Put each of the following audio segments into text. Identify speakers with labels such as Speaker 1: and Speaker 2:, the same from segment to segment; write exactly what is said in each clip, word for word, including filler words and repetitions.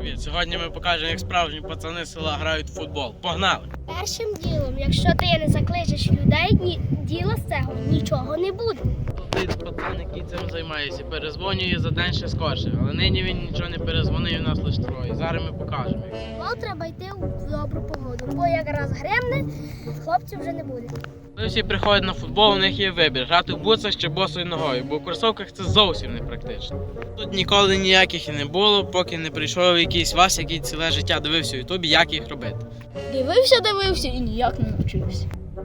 Speaker 1: привіт! Сьогодні ми покажемо, як справжні пацани з села грають в футбол. Погнали!
Speaker 2: Першим ділом, якщо ти не закличеш людей, ні, діла з цього нічого не буде.
Speaker 1: Тут пацан, який цим займається, перезвонює за день ще скорше, але нині він нічого не перезвонив, у нас лише троє. Зараз ми покажемо.
Speaker 2: Футбол треба йти в добру погоду, бо якраз гремне, хлопців вже не буде.
Speaker 1: Коли всі приходять на футбол, у них є вибір – грати в бутсах чи босою ногою, бо у кросовках це зовсім не практично. Тут ніколи ніяких і не було, поки не прийшов якийсь Вася, який ціле життя дивився у ютубі, як їх робити.
Speaker 3: Дивився, дивився і ніяк не навчився.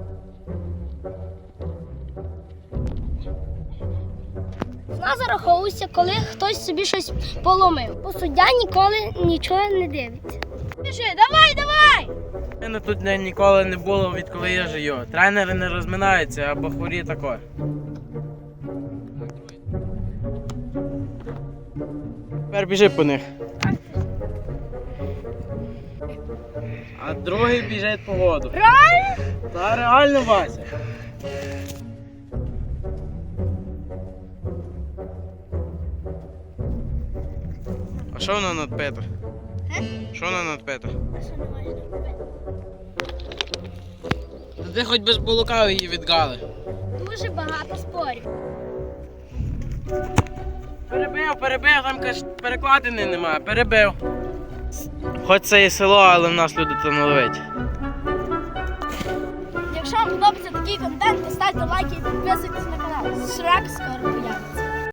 Speaker 2: Вона зараховується, коли хтось собі щось поломив, бо суддя ніколи нічого не дивиться.
Speaker 3: Пиши, давай, давай!
Speaker 1: У мене тут ніколи не було, відколи я живу. Тренери не розминаються, або хворі тако. Тепер біжи по них. А другий біжить по воду.
Speaker 2: Реально?
Speaker 1: Та реально, Вася. А що вона надпита? Що вона надпита?
Speaker 2: А що не можна робити?
Speaker 1: Та ти хоч без булука її відгали.
Speaker 2: Дуже багато спорів.
Speaker 1: Перебив, перебив, там каже, перекладини немає, перебив. Хоч це і село, але в нас люди талановиті.
Speaker 2: Якщо вам подобається такий контент, то ставте лайки і підписуйтесь на канал. Шрек скоро появиться.